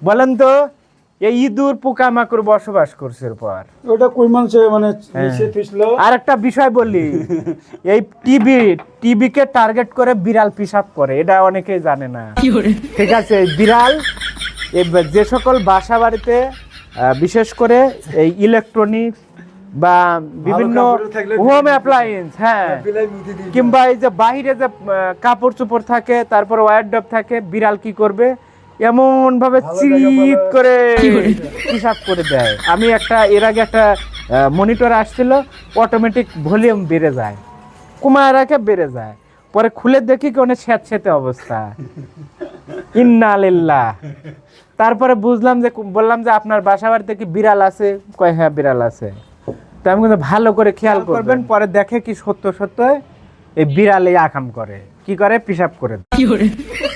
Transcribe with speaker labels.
Speaker 1: বলেন তো এই ইঁদুর পোকামাকড় বসবাস করছে এরপর
Speaker 2: ওটা কই মানছে মানে নিচে পিছলো।
Speaker 1: আর একটা বিষয় বলি, এই টিবিকে টার্গেট করে বিড়াল পিশাব করে, এটা অনেকেই জানে না। ঠিক আছে, এই বিড়াল যে সকল বাসা বাড়িতে বিশেষ করে এই ইলেকট্রনিক্স বা বিভিন্ন হোম অ্যাপ্লায়েন্স, হ্যাঁ, কিংবা এই যে বাইরে যে কাপড় চোপড় থাকে, তারপর ওয়ারড্রপ থাকে, বিড়াল কি করবে এমন ভাবে চিৎ করে হিসাব করে দেয়। আমি এর আগে একটা মনিটর আসছিল, অটোমেটিক ভলিউম বেড়ে যায়, কমায় রাখে বেড়ে যায়, পরে খুলে দেখি কি অনেক স্যাঁতস্যাঁতে অবস্থা। ইন্না লিল্লাহ। তারপরে বুঝলাম যে, বললাম যে আপনার বাসা বাড়িতে কি বিড়াল আছে? কয় হ্যাঁ বিড়াল আছে। তো আমি কিন্তু ভালো করে খেয়াল করবেন, পরে দেখে কি সত্য সত্য এই বিড়াল এই আকাম করে, কি করে পিশাব করে।